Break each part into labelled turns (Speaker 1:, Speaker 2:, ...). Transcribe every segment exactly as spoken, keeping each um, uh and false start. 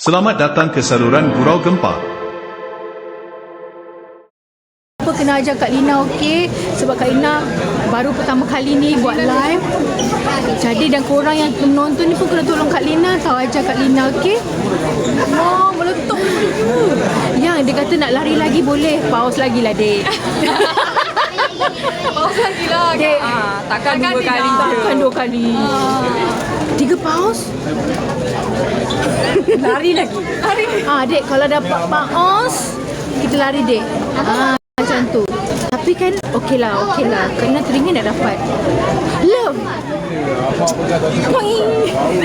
Speaker 1: Selamat datang ke saluran Gurau Gempa.
Speaker 2: Apa kena ajar Kak Lina, okey? Sebab Kak Lina baru pertama kali ni buat live. Jadi dan korang yang menonton ni pun kena tolong Kak Lina, tahu ajar Kak Lina, okey? Wah, meletup. Yang dia kata nak lari lagi boleh, pause lagi lah, dek.
Speaker 3: Pause lagi lah.
Speaker 2: Dek,
Speaker 3: Ah, takkan dua kali je.
Speaker 2: takkan dua kali. Tiga pause.
Speaker 3: Lari lagi. Lari.
Speaker 2: Ah, dek, kalau dapat pause, kita lari, dek. Ah, macam tu. Tapi kan, okey lah, okey lah. Kena teringin nak dapat. Love. Poing.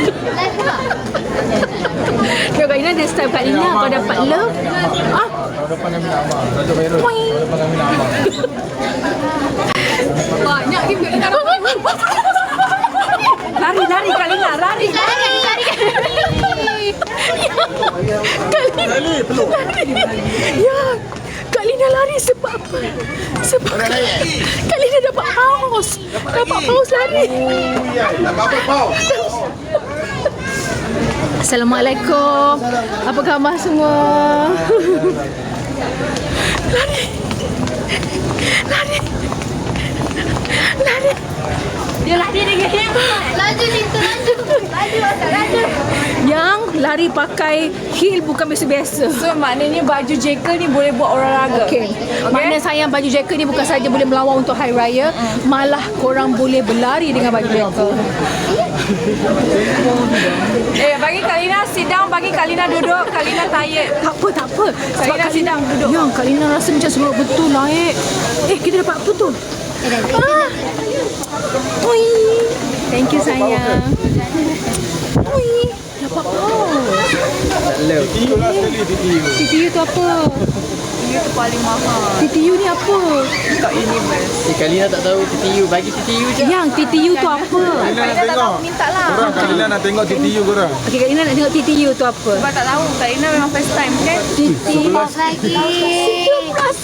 Speaker 2: Kau Kak Lina ada style Kak Lina, kau dapat love. Ah. Poing.
Speaker 3: Banyak ni Kak Lina dapat. Lari, lari Kak Lina, lari.
Speaker 2: Lari, lari. Kak Lina. Lari. Ya. Kak Lina lari sebab apa? Sebab Kak Lina dapat paus. Dapat paus lari.
Speaker 4: Dapat paus.
Speaker 2: Assalamualaikum. Apa khabar semua? Lari. Lari. Lari.
Speaker 3: Dia lari dengan hebat.
Speaker 2: Laju Lintu, laju. Laju, laju. Yang lari pakai heel bukan biasa-biasa.
Speaker 3: So maknanya baju jekel ni boleh buat olahraga.
Speaker 2: Okey. Okay. Makna sayang baju jacket ni bukan saja boleh melawat untuk hari raya, mm. malah korang boleh berlari dengan baju jacket.
Speaker 3: Eh, bagi Kak Lina sit down, bagi Kak Lina duduk. Kak Lina tired.
Speaker 2: Tak apa, tak apa.
Speaker 3: Kak Lina sit down, duduk.
Speaker 2: Yang Kak Lina rasa macam semua betul naik. Eh, kita dapat apa tu? Ah. Oi. Thank you sayang. Oi. Dapat paus.
Speaker 4: T T U lah sekali T T U.
Speaker 2: T T U tu apa?
Speaker 3: Dia tu paling mahal.
Speaker 2: T T U ni apa?
Speaker 3: Kat Universe.
Speaker 5: Si Kak Lina tak tahu T T U, bagi T T U je.
Speaker 2: Yang T T U tu apa?
Speaker 4: Kak Lina nak tengok.
Speaker 3: Minta lah.
Speaker 4: Korang Kak Lina nak tengok T T U korang.
Speaker 2: Okey, Kak Lina nak tengok T T U tu apa?
Speaker 3: Sebab tak tahu. Kak Lina memang first time kan?
Speaker 2: T T U lagi. Sebelas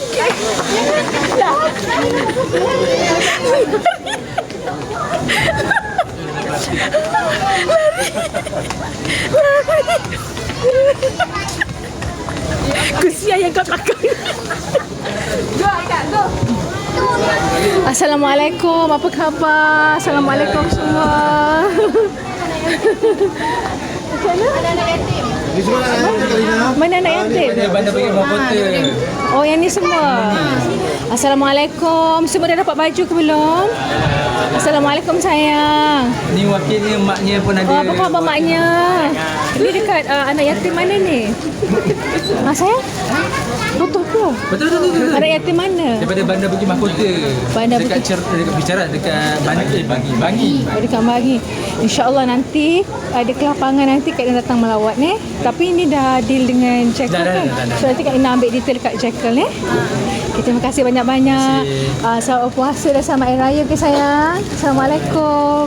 Speaker 2: Kesian yang kat belakang.
Speaker 3: Go, Kak, go.
Speaker 2: Assalamualaikum, apa khabar? Assalamualaikum semua. Macam mana?
Speaker 3: Anak-anak yatim.
Speaker 4: Ni semua nak tengok Kak Lina.
Speaker 2: Mana anak yatim?
Speaker 5: Bandar bagi buah kota.
Speaker 2: Oh, yang ni semua. Assalamualaikum. Semua dah dapat baju ke belum? Assalamualaikum sayang.
Speaker 5: Ni wakilnya maknya pun ada.
Speaker 2: Oh, apa khabar maknya? Ni dekat uh, anak yatim mana ni? Ah, sayang? Betul tu.
Speaker 5: Betul betul betul.
Speaker 2: Anak yatim mana?
Speaker 5: Daripada bandar bagi mahkota.
Speaker 2: Bandar
Speaker 5: dekat
Speaker 2: Bukit-
Speaker 5: cer dekat bicara dekat bandar eh bagi bagi.
Speaker 2: Oh, dekat Bagi. InsyaAllah nanti ada kelapangan nanti Kak Ina datang melawat ni. Tapi ni dah deal dengan Jekyll
Speaker 5: Dah, dah,
Speaker 2: kan?
Speaker 5: dah, dah, dah.
Speaker 2: So nanti Kak Ina ambil detail kat Jekyll ni. Okay, terima kasih banyak-banyak. Uh, selamat puasa dan selamat Hari Raya ke sayang. Assalamualaikum.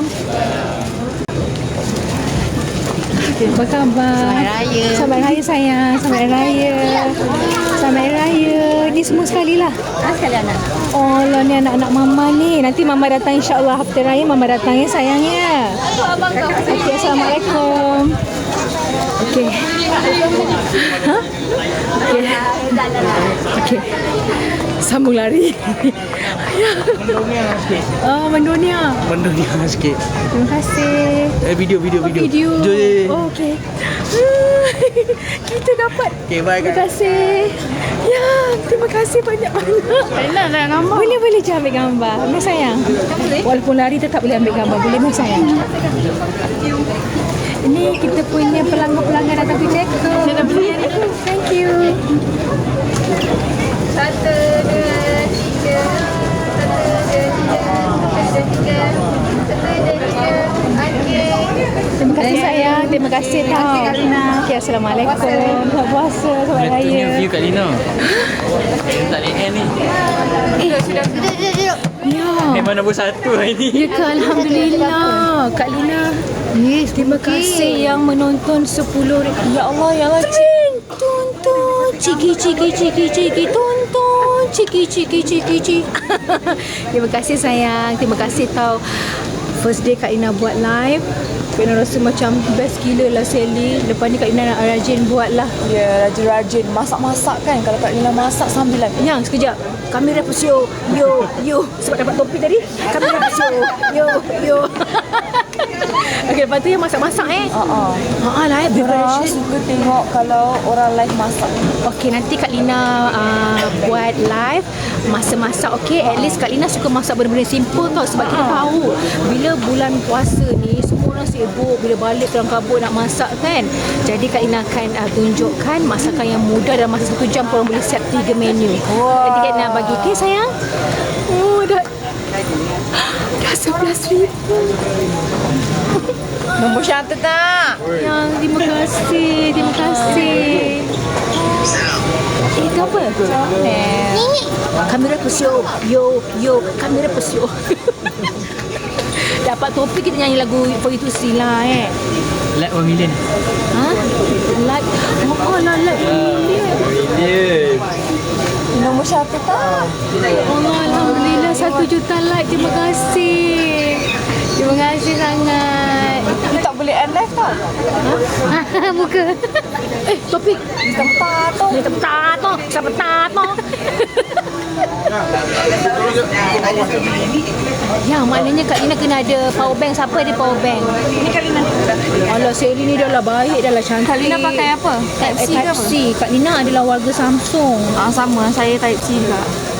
Speaker 2: Apa khabar? Selamat Hari Raya. Selamat Hari Raya sayang. Selamat Hari Raya. Selamat Hari Raya. Ni semua sekali lah.
Speaker 3: Ah, sekali anak.
Speaker 2: Oh lah, ni anak-anak mama ni. Nanti mama datang insyaAllah hafta raya mama datang ya sayangnya.
Speaker 3: Tu abang kau.
Speaker 2: Okey, Assalamualaikum. Okey. Ha? Okey. Okey. Sambung lari. Oh, mendunia.
Speaker 5: Mendunia sikit.
Speaker 2: Terima kasih.
Speaker 5: Eh video video
Speaker 2: Oh, video. Oh, okey. Kita dapat.
Speaker 5: Okey, bye
Speaker 2: Terima
Speaker 5: Kak.
Speaker 2: kasih. Ya, terima kasih banyak-banyak.
Speaker 3: Kak nak gambar.
Speaker 2: Boleh boleh je ambil gambar. Ambil sayang. Walaupun lari tetap boleh ambil gambar. Boleh ambil sayang. Ini kita punya pelanggan-pelanggan datang ke Jekyll. Thank you.
Speaker 3: Satu, dua, tiga. Satu, dua, tiga. Satu, dua, tiga. Satu, dua, tiga. Okey.
Speaker 2: Terima kasih sayang. Terima kasih tau.
Speaker 3: kasih, Kak Lina.
Speaker 2: Okay, Assalamualaikum. Selamat puasa. Selamat
Speaker 5: Punya
Speaker 2: Raya.
Speaker 5: view Kak Lina. Tak lihat ni.
Speaker 3: Duduk, sudah. Duduk, duduk, duduk.
Speaker 2: Ya.
Speaker 5: Memang nombor satu hari ni.
Speaker 2: Ya ke, Alhamdulillah. Kak Lina. Yes, terima kasih yang menonton sepuluh ribu. Ya Allah, ya Allah. Cing, tonton. Ciki, ciki, ciki, ciki, tonton. Ciki, ciki, ciki, ciki. Terima kasih sayang. Terima kasih tau. First day Kak Lina buat live. Kak Ina rasa macam best gila lah Sally. Lepas ni Kak Ina nak rajin buat lah.
Speaker 6: Ya, rajin-rajin. Masak-masak kan. Kalau Kak Lina masak sambilan.
Speaker 2: Yang sekejap. Kamera pusio. Yo, yo. Sebab dapat topi tadi. Kamera pusio. Yo, yo. Okey, lepas tu yang masak-masak eh.
Speaker 6: Haa.
Speaker 2: Haa lah eh.
Speaker 6: Orang
Speaker 2: Preparation.
Speaker 6: suka tengok kalau orang live masak.
Speaker 2: Okey, nanti Kak Lina uh, buat live masa-masak. Okey, at least Kak Lina suka masak benda-benda simple tau. Sebab kita tahu bila bulan puasa ni semua orang sibuk, bila balik dalam kabut nak masak kan. Jadi Kak Lina akan uh, tunjukkan masakan yang mudah dalam masa satu jam korang boleh set tiga menu.
Speaker 6: Wah.
Speaker 2: Nanti Kak Lina bagi. Okey sayang. Oh dah dah sebelas ribu.
Speaker 6: Nombor satu tak?
Speaker 2: Yang terima kasih, terima kasih. Eh, itu apa?
Speaker 6: Ni.
Speaker 2: Kamera pusio. Yo, yo, kamera pusio. Dapat topi kita nyanyi lagu For You To See lah eh.
Speaker 5: Like one million.
Speaker 2: Ha? Like, oh lah, like million.
Speaker 5: Yeah.
Speaker 6: Nombor satu tak?
Speaker 2: Allah, Alhamdulillah satu juta like. Terima kasih. Terima kasih sangat.
Speaker 6: Ni tak boleh end live tau.
Speaker 2: Ha? Muka. Eh, topi.
Speaker 6: Tempat tu.
Speaker 2: Ni tempat tu. Siapa tu? Ya, maknanya Kak Lina kena ada power bank. Siapa ada power bank?
Speaker 6: Ni Kak Lina.
Speaker 2: Alah, Sally ni dah lah baik, dah lah cantik.
Speaker 6: Kak Lina pakai apa? Type C ke
Speaker 2: Type
Speaker 6: apa?
Speaker 2: C. Kak Lina adalah warga Samsung.
Speaker 6: Ah, sama. Saya Type C juga.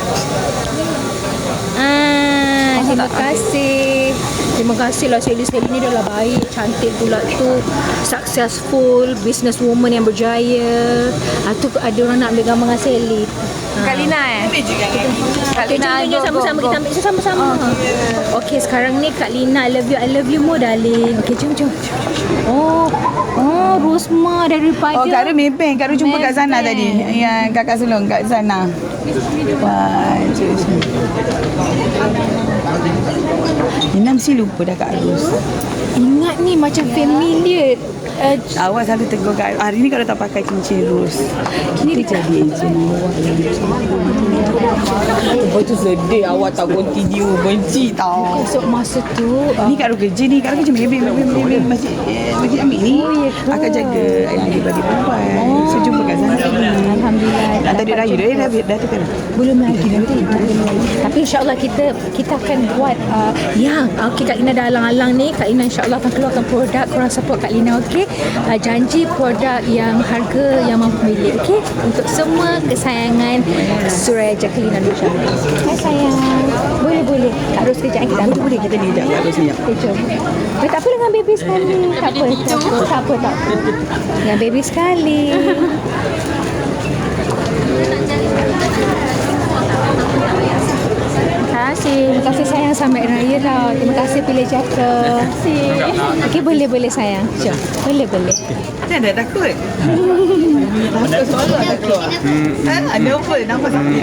Speaker 2: Ah, terima kasih. Terima kasih lah Sally. Sally ni dah lah baik, cantik pula tu. Successful, business woman yang berjaya. Ah, tu ada orang nak ambil gambar dengan Sally.
Speaker 6: Kak Lina eh? Kak
Speaker 2: Okay,
Speaker 6: Lina,
Speaker 2: jom, jom,
Speaker 6: go,
Speaker 2: sama-sama
Speaker 6: go,
Speaker 2: kita
Speaker 6: go.
Speaker 2: ambil sama-sama. Okay, sekarang ni Kak Lina, I love you, I love you more darling. Okay, jom, jom. Oh, oh, Rosma daripada.
Speaker 7: Oh, Kak Ru Maybank. Kak Ru jumpa kat sana
Speaker 2: Maybank.
Speaker 7: tadi. Yang kakak sulung kat sana. Wah, cik. Nina mesti lupa dah Kak Ru.
Speaker 2: Ingat ni macam familiar. Uh,
Speaker 7: Awak selalu tegur Kak Ru. Hari ni kalau tak pakai cincin ros. Kita jadi encik bawah. Lepas tu sedih awak tak continue. Benci tau.
Speaker 2: esok masa tu uh,
Speaker 7: Ni Kak Ru kerja ni. Kak Ru kerja Maybank. Maybank, Maybank. Masjid, eh, Masjid Amir ni.
Speaker 2: Oh, ya ke?
Speaker 7: Akan jaga yang adik-adik perempuan. So, jumpa kat sana.
Speaker 2: Alhamdulillah.
Speaker 7: Nak tadi raya dah. Dah, dah tu kan?
Speaker 2: Belum lagi nanti. Tapi insyaAllah kita kita akan buat uh, yang okay, Kak Lina dah alang-alang ni. Kak Lina insyaAllah akan keluarkan produk. Korang support Kak Lina, okey? Uh, janji produk yang harga yang mampu milik, okey? Untuk semua kesayangan Suraya Jacqueline Nursyah. Hai sayang. Boleh boleh. Kak Ros kejap kita ambil.
Speaker 7: Boleh kita ni sekejap Kak Ru senyap.
Speaker 2: Okay, jom. Eh, tak apa dengan baby sekali. Tak apa, tak apa, tak apa, tak apa. Dengan baby sekali. Terima kasih. Terima kasih sayang, selamat raya lah. Terima kasih pilih jaka. Terima kasih. Okey, boleh boleh sayang. Jom. Boleh boleh.
Speaker 7: Macam dah takut? Takut soalan tak takut? Ada apa? Nampak sakit?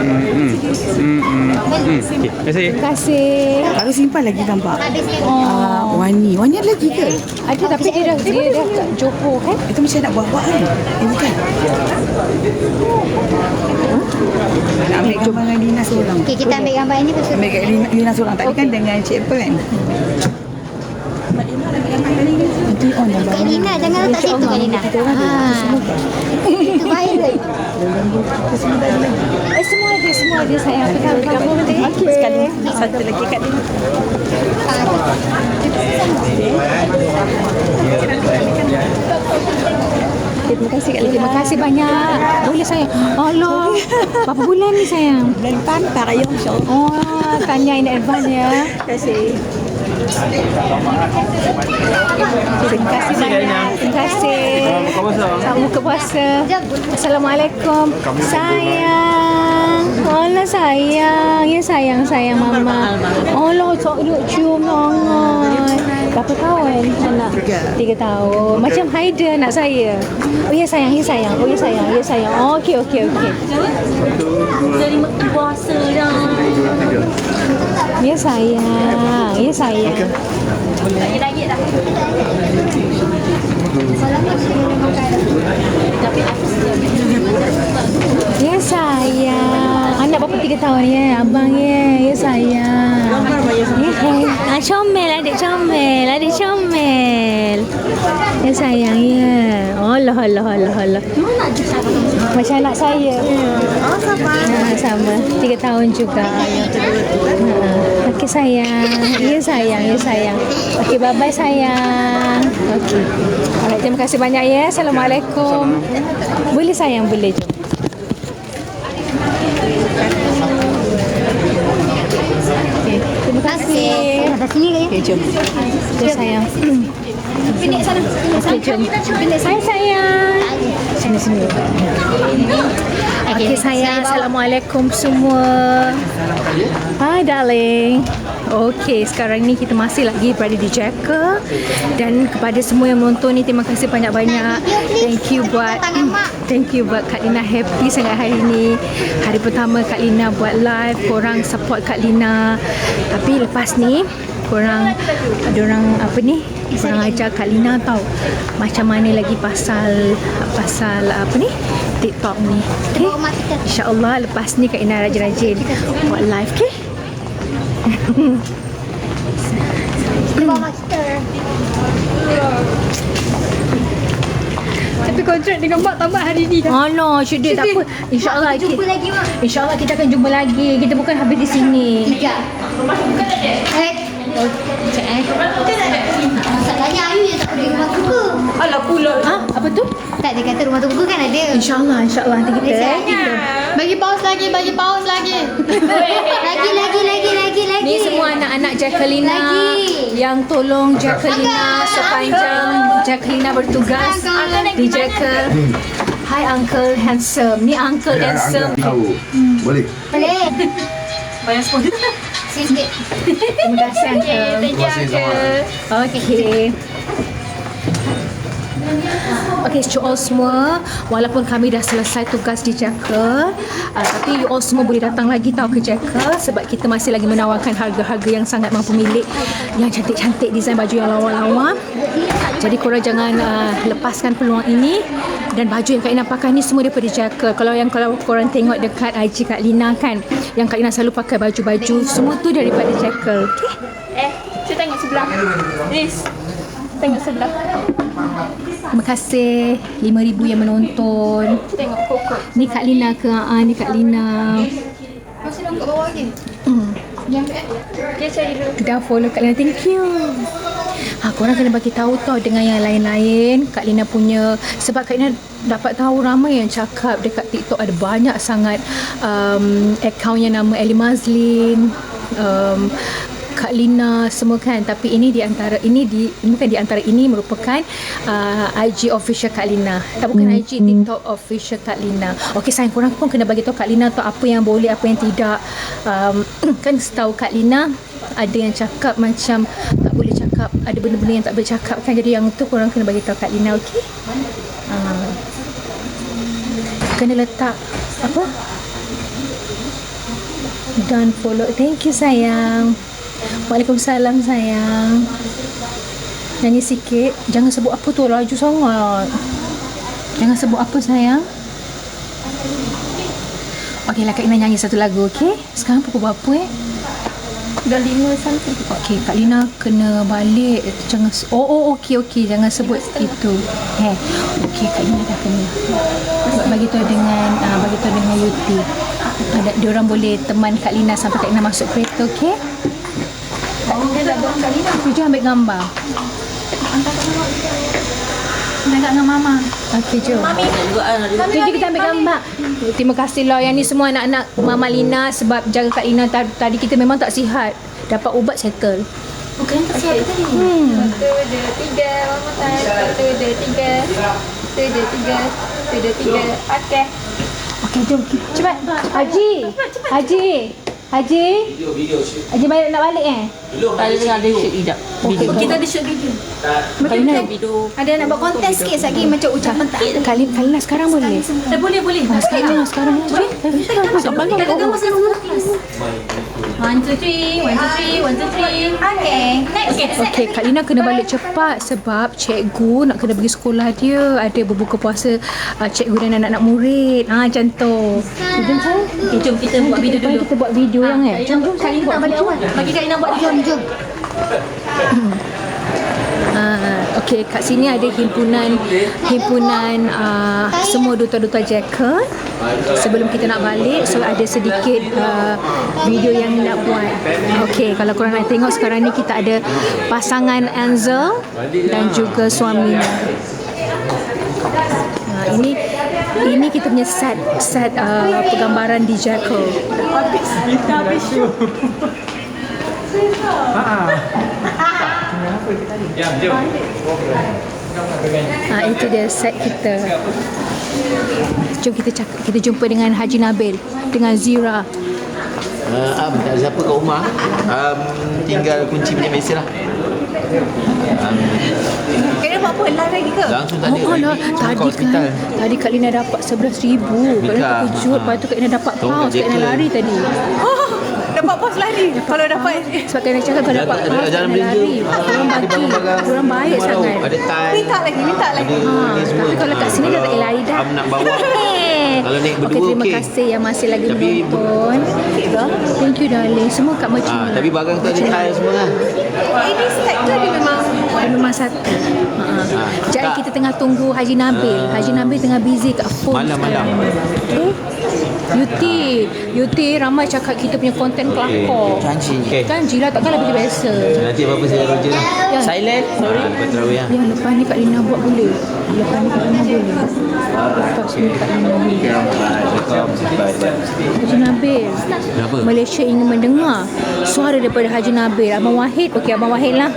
Speaker 5: Terima kasih.
Speaker 2: Terima kasih.
Speaker 7: Kalau simpan lagi gambar.
Speaker 2: Oh,
Speaker 7: Ah, Wani. Wani ada lagi ke?
Speaker 2: ada tapi dia dah dia dah kat Johor kan?
Speaker 7: Itu mesti nak buat-buat kan? Eh, bukan. Nak ambil gambar dengan Lina seorang.
Speaker 3: Okey, kita ambil gambar ini pasal
Speaker 7: Ambil kat Lina, Lina seorang. Tadi kan dengan Cik Apple kan? Nanti on yang
Speaker 3: Kak Lina, jangan letak situ Kak Lina. Ha. Itu viral.
Speaker 2: Eh, semua ada, semua ada sayang. Kita ambil gambar nanti.
Speaker 7: Okey, sekali. Satu lagi kat Lina.
Speaker 2: Okay, terima kasih Kak Lina. Terima kasih banyak. Boleh sayang. Allah. Berapa bulan ni sayang?
Speaker 7: Bulan depan, tak raya insyaAllah.
Speaker 2: Oh, tanya in advance ya.
Speaker 7: Terima kasih.
Speaker 2: Terima kasih banyak. Terima kasih. Selamat buka puasa. Assalamualaikum. Sayang. Allah sayang. Ya sayang, sayang mama. Allah, tak duk cium sangat. Berapa tahun anak? Tiga tahun. Macam Haida anak saya. Oh ya sayang, ya sayang. Oh ya sayang, ya sayang. Oh, okey, okey, okey. Dari puasa dah. Ya sayang, ya sayang. Lagi-lagi dah. Ya sayang. Anak berapa tiga tahun ya, abang ya, ya sayang. Ya, ah, comel, adik comel, adik comel. Ya sayang ya. Allah, Allah, Allah, Allah. Macam anak saya.
Speaker 3: Oh, sama.
Speaker 2: Ha, sama. Tiga tahun juga. Ha. Okey sayang. Ya sayang, ya sayang. Okey, bye-bye sayang. Okey. Alright, terima kasih banyak ya. Assalamualaikum. Boleh sayang, boleh. Jom. Okay. Terima kasih.
Speaker 3: Ada sini ke?
Speaker 2: Okey, jom. Jom sayang.
Speaker 3: Pindik sana.
Speaker 2: Okey, jom. Hai sayang. Sini sini. Okey sayang. Assalamualaikum semua. Hi darling. Okey, sekarang ni kita masih lagi berada di Jakarta dan kepada semua yang menonton ni terima kasih banyak-banyak. Thank you buat thank you buat Kak Lina, happy sangat hari ni. Hari pertama Kak Lina buat live, korang support Kak Lina. Tapi lepas ni korang ada orang apa ni? Korang ajar Kak Lina tahu macam mana lagi pasal pasal apa ni? TikTok ni. Okay? InsyaAllah lepas ni Kak Lina rajin-rajin buat live, okay?
Speaker 3: Bawa kita.
Speaker 2: Tapi kontrak dengan Mak tamat hari ni dah. Oh no, syukur tak apa. InsyaAllah
Speaker 3: Mak, jumpa lagi, Mak.
Speaker 2: InsyaAllah kita akan jumpa lagi. Kita bukan habis di sini.
Speaker 3: Tiga. Eh.
Speaker 2: Cek eh.
Speaker 3: Masalahnya Ayu yang tak pergi rumah kuku.
Speaker 2: Alah pula. Ha? Apa tu?
Speaker 3: Tak, dia kata rumah kuku kan ada.
Speaker 2: InsyaAllah, insyaAllah nanti kita.
Speaker 3: Biasa.
Speaker 2: kita.
Speaker 3: Bagi paus lagi, bagi paus lagi. lagi, lagi, lagi, lagi, lagi.
Speaker 2: Ni semua anak-anak Jacquelina
Speaker 3: Lagi.
Speaker 2: yang tolong Jacquelina sepanjang Jacquelina bertugas di Jackal. Hi Uncle Handsome. Ni Uncle Handsome.
Speaker 4: Tahu. Boleh.
Speaker 3: Boleh.
Speaker 2: Bayar sponsor.
Speaker 3: Sikit.
Speaker 2: Terima kasih Uncle.
Speaker 4: Terima kasih sama.
Speaker 2: Okey. Okey, to all semua, walaupun kami dah selesai tugas di Jakarta, uh, tapi you all semua boleh datang lagi tau ke Jakarta sebab kita masih lagi menawarkan harga-harga yang sangat mampu milik, yang cantik-cantik, desain baju yang lawa-lawa. Jadi korang jangan uh, lepaskan peluang ini. Dan baju yang Kak Lina pakai ni semua daripada Jakarta. Kalau yang kalau korang tengok dekat I G Kak Lina kan, yang Kak Lina selalu pakai baju-baju, semua tu daripada Jakarta. Okey?
Speaker 6: Eh, cuba tengok sebelah. Liz, tengok sebelah.
Speaker 2: Terima kasih lima ribu yang menonton.
Speaker 6: Tengok kokok.
Speaker 2: Ni Kak Lina ke? Ah, ni Kak Lina.
Speaker 3: Masih kat bawah lagi.
Speaker 2: Hmm.
Speaker 6: Dia cari dulu.
Speaker 2: Dah follow Kak Lina. Thank you. Ha, korang kena bagi tahu tau dengan yang lain-lain Kak Lina punya, sebab Kak Lina dapat tahu ramai yang cakap dekat TikTok ada banyak sangat um, akaun yang nama Ellie Mazlin, um, Kak Lina semua kan, tapi ini di antara ini di bukan di antara ini merupakan uh, I G official Kak Lina. Tak, bukan I G, TikTok official Kak Lina. Okey sayang, korang pun kena bagi tahu Kak Lina tu apa yang boleh, apa yang tidak. Um, kan setahu Kak Lina ada yang cakap macam tak boleh cakap, ada benda-benda yang tak boleh cakap kan, jadi yang tu korang kena bagi tahu Kak Lina, okey? Uh, kena letak apa? Dan follow. Thank you sayang. Waalaikumsalam sayang. Nyanyi sikit. Jangan sebut apa tu, laju sangat. Jangan sebut apa sayang. Okey lah, Kak Lina nyanyi satu lagu, okey? Sekarang pukul berapa eh?
Speaker 6: Dah lima something.
Speaker 2: Okey, Kak Lina kena balik. Jangan, oh, oh okey, okey. Jangan sebut itu. Eh, okey, Kak Lina dah kena. Bagi tahu dengan, uh, bagi tahu dengan Yuti. Ada, diorang boleh teman Kak Lina sampai Kak Lina masuk kereta, okey?
Speaker 6: Dia dah buat kali dah.
Speaker 2: Jom ambil gambar.
Speaker 6: Dekat dengan Mama.
Speaker 2: Okey, jom. Mami. Jom kita ambil gambar. Terima kasih lah yang ni semua anak-anak Mama Lina sebab jaga Kak Lina tadi kita memang tak sihat. Dapat ubat settle.
Speaker 3: Bukan tak siap tadi.
Speaker 2: Hmm.
Speaker 3: Satu, dua, tiga. Mama time. Satu, dua, tiga. Satu, dua, tiga. Satu, dua, tiga.
Speaker 6: Okey.
Speaker 2: Okey, jom. Cepat. Haji. Haji. Haji. Haji balik nak balik eh?
Speaker 7: Tadi tengah ada shoot hijab. Video.
Speaker 3: Kita ada shoot video.
Speaker 2: Kalina,
Speaker 3: Ada nak buat kontes sikit lagi macam ucapan tak.
Speaker 2: Kalina, Kalina sekarang boleh?
Speaker 3: Eh, boleh boleh.
Speaker 2: Sekarang, sekarang. Boleh? Tak balik.
Speaker 3: Kita gagal masa semua kelas. One, two, three. One, two, three. One, two, three. Okay. Next. Okay.
Speaker 2: Okey, Kak Lina kena balik cepat sebab cikgu nak kena pergi sekolah dia. Ada berbuka puasa uh, cikgu dan anak-anak murid. Ha, macam tu. Jom, jom.
Speaker 3: Okay, jom kita buat video dulu.
Speaker 2: Kita buat video yang eh.
Speaker 3: Jom, jom. Kak Lina balik awal. Bagi Kak Lina buat jom, jom.
Speaker 2: Uh, Okey, kat sini ada himpunan himpunan uh, semua duta-duta Jackal. Sebelum kita nak balik, so ada sedikit uh, video yang nak buat. Okey, kalau korang nak tengok sekarang ni kita ada pasangan Ansel dan juga suaminya. Uh, ini ini kita punya set set uh, pergambaran di Jackal. Ha, itu dia set kita. Jom kita cakap, kita jumpa dengan Haji Nabil dengan Zira.
Speaker 8: Uh, um, tak ada siapa kat rumah. Um, tinggal kunci punya mesin lah. Um,
Speaker 3: Kira buat apa? Live lagi ke?
Speaker 8: langsung tak ada.
Speaker 2: Oh, lah.
Speaker 8: Langsung kat
Speaker 2: Tadi
Speaker 8: hospital.
Speaker 2: kan, tadi Kak Lina dapat sebelas ribu. Kak Lina
Speaker 8: Nikah.
Speaker 2: terkejut, lepas tu Kak Lina dapat
Speaker 8: Tolong
Speaker 2: paus.
Speaker 8: kat
Speaker 2: Kak Lina
Speaker 8: Jackal.
Speaker 2: lari tadi.
Speaker 3: Oh, dapat pos lari. Kalau dapat
Speaker 2: Sebab Kak Lina cakap kalau dapat
Speaker 8: Jalan-
Speaker 2: paus, Kak
Speaker 8: jalan
Speaker 2: Lina
Speaker 8: belanja.
Speaker 2: lari. Diorang bagi,
Speaker 8: Barang-barang.
Speaker 2: diorang baik
Speaker 8: Rumah
Speaker 2: sangat.
Speaker 8: Ada tie.
Speaker 3: minta lagi, minta lagi.
Speaker 8: Ada
Speaker 2: Ha,
Speaker 8: ni semua.
Speaker 2: tapi kalau kat sini dah tak boleh lari dah.
Speaker 8: Am nak bawa. Kalau naik berdua,
Speaker 2: okay, terima
Speaker 8: okey.
Speaker 2: kasih yang masih lagi
Speaker 8: Tapi-
Speaker 2: menonton. Thank you darling. Semua kat Merchant.
Speaker 8: Ah, tapi barang tu ada tie semua lah.
Speaker 3: Ini set tu dia memang
Speaker 2: Dia memang satu. Ha.
Speaker 8: Ah,
Speaker 2: Jadi
Speaker 8: tak.
Speaker 2: kita tengah tunggu Haji Nabil.
Speaker 8: Ah.
Speaker 2: Haji Nabil tengah busy kat phone
Speaker 8: Malam-malam.
Speaker 2: sekarang. Okay. Yuti, Yuti ramai cakap kita punya konten kelakar.
Speaker 8: Janji. Okay.
Speaker 2: Kan Jila takkanlah pergi biasa.
Speaker 8: Nanti apa-apa saya roger lah.
Speaker 2: Ya.
Speaker 8: Silent. Sorry. Ah, lepas terawih lah.
Speaker 2: Yang lepas ni Kak Lina buat boleh. Lepas ni Kak Lina boleh. Lepas ni Kak Lina boleh. Haji Nabil.
Speaker 8: Kenapa?
Speaker 2: Malaysia ingin mendengar suara daripada Haji Nabil. Abang Wahid, okey Abang Wahid lah.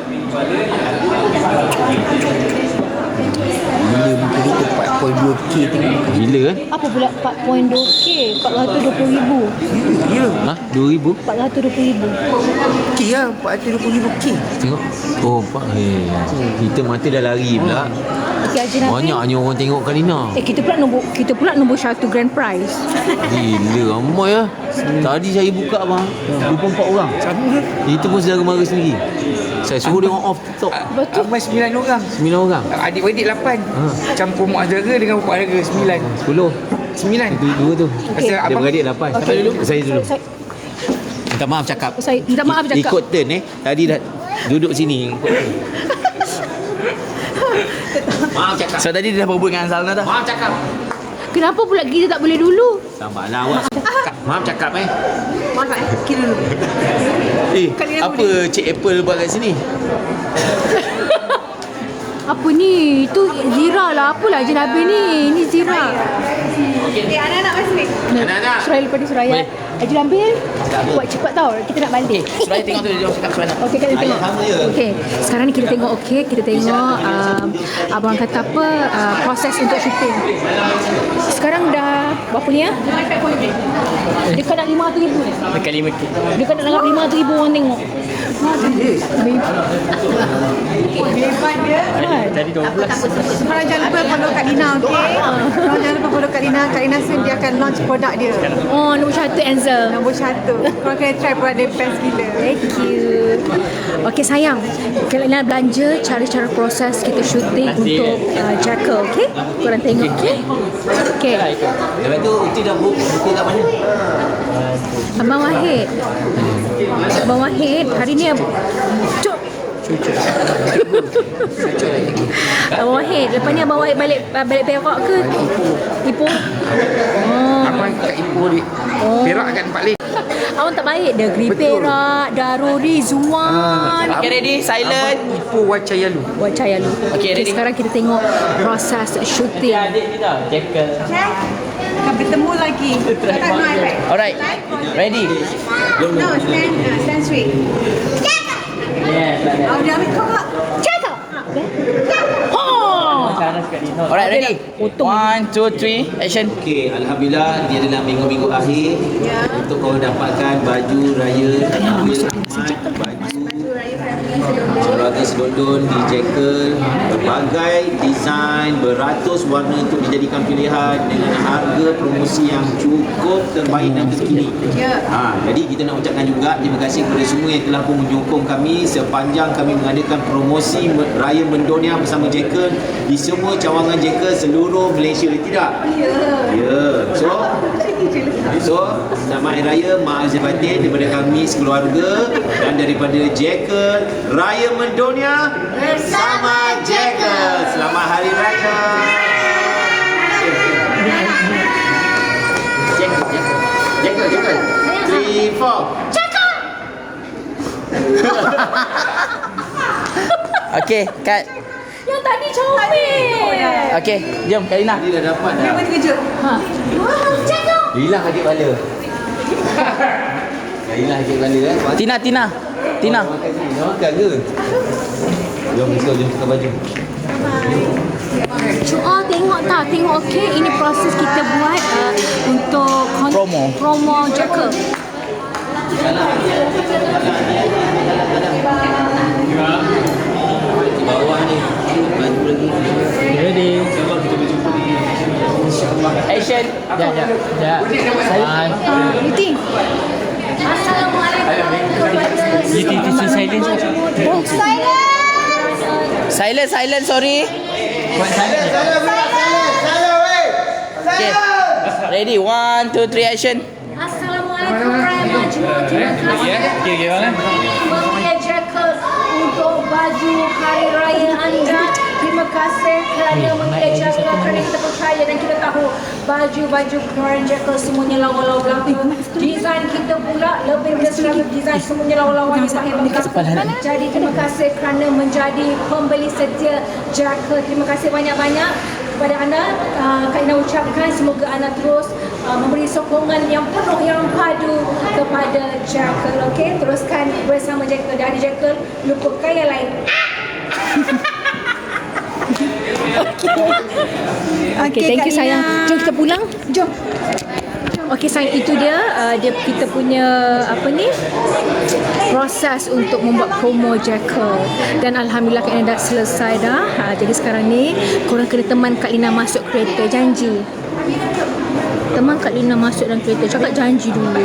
Speaker 8: Bila buku kita empat perpuluhan dua K tengok. Gila kan?
Speaker 2: Apa pula empat perpuluhan dua K? empat ratus dua puluh ribu.
Speaker 8: Ya. Ha? dua ribu?
Speaker 2: empat ratus dua puluh ribu.
Speaker 8: K lah. empat ratus dua puluh ribu K. Tengok. Oh, Pak. Eh, kita mata dah lari pula.
Speaker 2: Okey Haji Nabil.
Speaker 8: Banyaknya orang tengok Kak Lina.
Speaker 2: Eh kita pula nombor kita pula nombor satu grand prize.
Speaker 8: Gila ramai lah. Tadi saya buka bang, dua puluh empat orang. Itu pun saudara mara sendiri. Saya suruh dia orang off TikTok.
Speaker 2: Betul.
Speaker 9: Abang sembilan orang.
Speaker 8: Sembilan orang.
Speaker 9: Adik-beradik lapan.
Speaker 8: Ha.
Speaker 9: Campur mak saudara dengan bapa saudara sembilan.
Speaker 8: Sepuluh.
Speaker 9: Sembilan.
Speaker 8: Itu dua tu.
Speaker 2: Okey.
Speaker 9: Pasal
Speaker 8: Dia
Speaker 9: abang
Speaker 8: beradik lapan. Siapa dulu? Saya dulu.
Speaker 2: Saya,
Speaker 8: Minta maaf cakap.
Speaker 2: saya minta maaf cakap.
Speaker 8: Ikut turn eh. Tadi dah duduk sini. Maaf cakap. So tadi dia dah berbual dengan Zalna dah. Maaf cakap.
Speaker 2: Kenapa pula kita tak boleh dulu?
Speaker 8: Sabarlah awak. Maaf cakap eh.
Speaker 3: maaf tak? Kira dulu.
Speaker 8: Eh, apa Cik Apple buat kat sini?
Speaker 2: Apa ni? Itu Zira lah. Apalah Haji Nabil ni? Ini Zira.
Speaker 3: Okay, anak-anak masih ni.
Speaker 8: Anak-anak.
Speaker 2: Suraya lepas ni Suraya. Haji Nabil, buat cepat tau. Kita nak balik.
Speaker 8: Suraya tengok tu dia cakap Suraya.
Speaker 2: Okey, kita tengok.
Speaker 8: sama je.
Speaker 2: Okey, sekarang ni kita tengok okey, kita tengok um, abang kata apa uh, proses untuk syuting. Sekarang dah berapa ni ya? Dekat nak lima ratus ribu.
Speaker 5: Dekat lima K.
Speaker 2: Dekat nak lima ratus ribu orang tengok.
Speaker 3: Hebat dia.
Speaker 5: Tadi dua belas.
Speaker 3: Korang jangan lupa follow Kak Lina, okey? Korang jangan lupa follow Kak Lina. Kak Lina soon dia akan launch produk dia.
Speaker 2: Oh, nombor satu Ansel.
Speaker 3: Nombor satu. Korang kena try produk dia best gila.
Speaker 2: Thank you. Okey sayang, kalau nak belanja cara-cara proses kita syuting untuk uh, Jackal, okey? Korang tengok, okey? Okey.
Speaker 8: Lepas tu Uti dah book buku kat mana?
Speaker 2: Abang Wahid. Abang Wahid, hari ni ab- Cuk. Abang Wahid, lepas ni Abang Wahid balik balik Perak ke? Ipoh. Oh.
Speaker 9: abang kat Ipoh di
Speaker 2: Oh.
Speaker 9: Perak kat tempat lain.
Speaker 2: Awak tak baik. Negeri Perak, Darul Rizwan.
Speaker 5: Okay, ready? Silent.
Speaker 9: Abang Ipoh Wacayalu.
Speaker 2: Buat cahaya lu.
Speaker 5: Okay, ready?
Speaker 2: Sekarang kita tengok proses syuting.
Speaker 5: Adik ni tau, Jackal.
Speaker 3: Akan bertemu lagi. Letak no iPad.
Speaker 5: Alright, ready?
Speaker 3: No, stand, uh, stand straight.
Speaker 5: Yes, like that.
Speaker 3: Oh, dia ambil kau.
Speaker 2: Jackal. Oh.
Speaker 5: Sana sekali. No.
Speaker 7: Alright, ready?
Speaker 2: Potong.
Speaker 7: One, two, three, action.
Speaker 8: Okey, Alhamdulillah dia adalah minggu-minggu akhir
Speaker 3: Ya.
Speaker 8: untuk kau dapatkan baju raya, baju, baju Olahraga selondon di Jekyll, berbagai desain, beratus warna untuk dijadikan pilihan dengan harga promosi yang cukup terbaik dan terkini. Ha, jadi kita nak ucapkan juga terima kasih kepada semua yang telah pun menyokong kami sepanjang kami mengadakan promosi Raya Mendonia bersama Jekyll di semua cawangan Jekyll seluruh Malaysia. Tidak? Ya. Ya. So, so selamat Hari Raya, maaf lahir batin daripada kami sekeluarga dan daripada Jekyll. Raya Mendonia bersama Jekyll. Selamat Hari Raya. Jekyll, Jekyll. Jekyll, Jekyll. Three, four. Jekyll.
Speaker 5: Okey, cut.
Speaker 2: Yang tadi comel.
Speaker 5: Okey, jom Kak Lina.
Speaker 8: Dia dah dapat dah.
Speaker 7: Dia terkejut.
Speaker 2: Ha.
Speaker 8: Hilang sakit kepala. Dah hilang sakit kepala kan?
Speaker 5: Tina, Tina. Tina.
Speaker 8: Oh, makan sini. Dah makan ke? Jom, let's go. Jom tukar baju.
Speaker 2: Oh, tengok tak? Tengok okey. Ini proses kita buat uh, untuk kon-
Speaker 5: Promo.
Speaker 2: Promo Jekyll.
Speaker 8: Bawah ni. Baju lagi.
Speaker 5: Ready. Action. Ya, ya. Ya. One.
Speaker 2: Uh, Yuti.
Speaker 5: Yuti, Yuti, silence.
Speaker 2: Oh,
Speaker 5: Silence, silence, sorry. Okay. Ready, one, two, three, action.
Speaker 2: Assalamualaikum warahmatullahi wabarakatuh.
Speaker 5: Ya, okay, gimana?
Speaker 2: Mempunyai Jekyll untuk baju Hari Raya anda. Terima kasih kerana mempunyai Jekyll kerana kita percaya dan kita tahu baju-baju keluaran Jekyll semuanya lawa-lawa belaka. Desain kita pula lebih dari seratus desain semuanya lawa-lawa yang sahih belaka. Jadi terima kasih kerana menjadi pembeli setia Jekyll. Terima kasih banyak-banyak kepada anda. uh, Kak Ina ucapkan semoga anda terus uh, memberi sokongan yang penuh yang padu kepada Jekyll. Okey, teruskan bersama Jekyll. Dari Jekyll, lupakan yang lain. Okey, thank you sayang. Jom kita pulang. Jom. Okey sayang, itu dia uh, dia kita punya apa ni proses untuk membuat promo Jekyll dan alhamdulillah Kak Lina dah selesai dah. Ha, jadi sekarang ni korang kena teman Kak Lina masuk kereta, janji. Teman Kak Lina masuk dalam kereta, cakap janji dulu.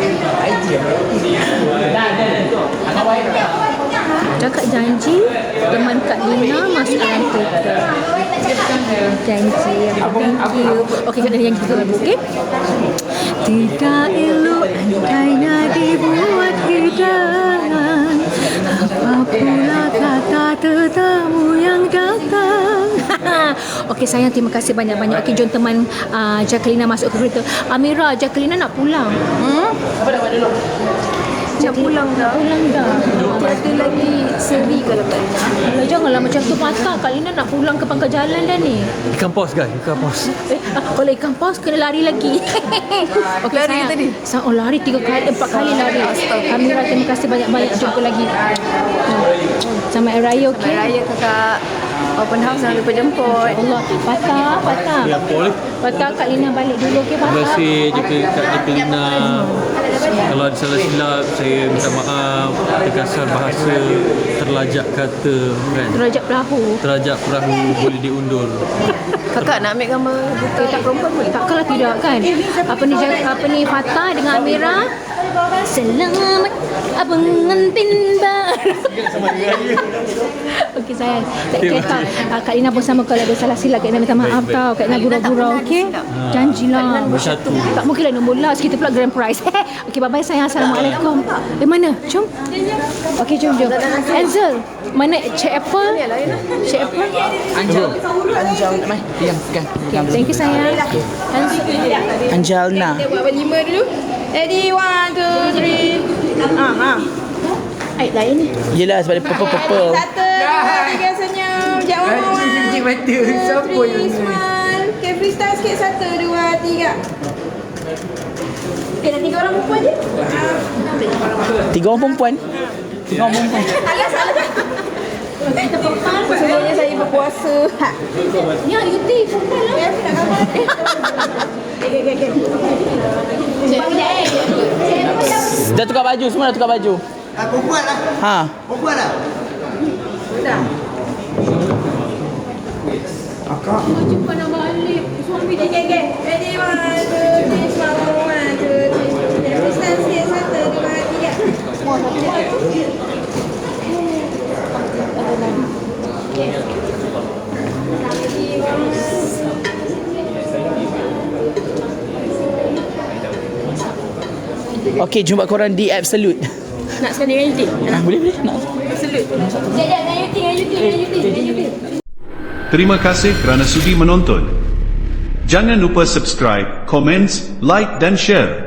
Speaker 2: Cakap janji teman Kak Lina masuk dalam kereta. Janji. Thank you. Okey, Kak Lina yang kita lagu, okey? Tidak elok andainya dibuat hidangan, apa pula kata tetamu yang datang. Okey sayang, terima kasih banyak-banyak. Okey, jom teman uh, Jacqueline masuk ke kereta. Amira, Jacqueline nak pulang. Hmm? Apa dah buat dulu? Nak pulang dah. Pulang dah. Tiada lagi seri kalau Kak Lina. Alah, janganlah macam tu patah. Kak Lina nak pulang ke pangkal jalan dah ni.
Speaker 10: Ikan paus guys, ikan paus.
Speaker 2: Eh, kalau ikan paus kena lari lagi. Okey
Speaker 6: Lari
Speaker 2: sayang.
Speaker 6: tadi?
Speaker 2: Sa- oh lari tiga kali, empat kali lari. Amira, terima kasih banyak-banyak. Jumpa lagi. Selamat Hari Raya, okey?
Speaker 6: Selamat Raya kakak. Open house jangan lupa jemput.
Speaker 2: Allah, Patah, Patah.
Speaker 10: Ya, boleh.
Speaker 2: Patah, Kak Lina balik dulu, okey
Speaker 10: Terima
Speaker 2: Patah?
Speaker 10: kasih Jaka Kak Jaka Lina. Kalau ada salah silap, saya minta maaf. Terkasar bahasa, terlajak kata kan.
Speaker 2: Derajat perahu.
Speaker 10: Terajak perahu boleh diundur.
Speaker 6: Kakak nak ambil gambar buta tak perempuan boleh?
Speaker 2: Takkanlah tidak kan? Apa ni apa ni Fatah dengan Amira? Selamat abang ngantin baru. Okey sayang. Tak kira tau. Kak Lina pun sama, kalau ada salah silap Kak Lina minta maaf tau. Kak Lina gurau-gurau, okey? Janjilah.
Speaker 10: Bersatu.
Speaker 2: Tak mungkinlah nombor last, kita pula grand prize. Okey, bye-bye sayang. Assalamualaikum. Eh mana? Jom. Okey, jom jom. Ansel, mana Cik Apple? Cik Apple?
Speaker 5: Anjal. Anjal. Mai, diam, pegang. Pegang dulu.
Speaker 2: Thank you sayang. Ansel.
Speaker 5: Anjalna.
Speaker 3: Kita buat berlima dulu. Ready, one, two, three. Ah, ha.
Speaker 2: Aib lain ni.
Speaker 5: Yelah sebab dia purple-purple.
Speaker 3: Satu, dua, tiga, senyum. Jap, one, one, one.
Speaker 9: Cicik mata.
Speaker 3: Two,
Speaker 9: Siapa
Speaker 3: three,
Speaker 9: yang ni?
Speaker 3: smile. Okay, freestyle sikit. Satu, dua, tiga. Okay, dah tiga orang perempuan je.
Speaker 5: Tiga orang perempuan. Tiga orang perempuan.
Speaker 3: Alah, salah.
Speaker 2: Kita perempuan.
Speaker 3: Sebenarnya saya berpuasa. Ha.
Speaker 2: Ya, Yuti. Perempuan lah.
Speaker 3: Ya, aku nak gambar. Okay, okay, okay.
Speaker 5: Dah tukar baju, semua dah tukar baju.
Speaker 4: Ah, perempuan lah.
Speaker 5: Ha.
Speaker 4: Perempuan lah.
Speaker 2: Jumpa nak balik. Suami dia.
Speaker 3: Okay, okay. Ready, one, two, three, swallow, one, two, three. Listen, stay, satu, dua, tiga.
Speaker 6: Semua satu.
Speaker 5: Okey, jumpa korang di Absolute.
Speaker 2: Nak sekali dengan Yuti?
Speaker 5: Ah, boleh boleh. Nak.
Speaker 2: Absolute. Sekejap, dengan Yuti, dengan Yuti, dengan Yuti, dengan Yuti.
Speaker 1: Terima kasih kerana sudi menonton. Jangan lupa subscribe, komen, like dan share.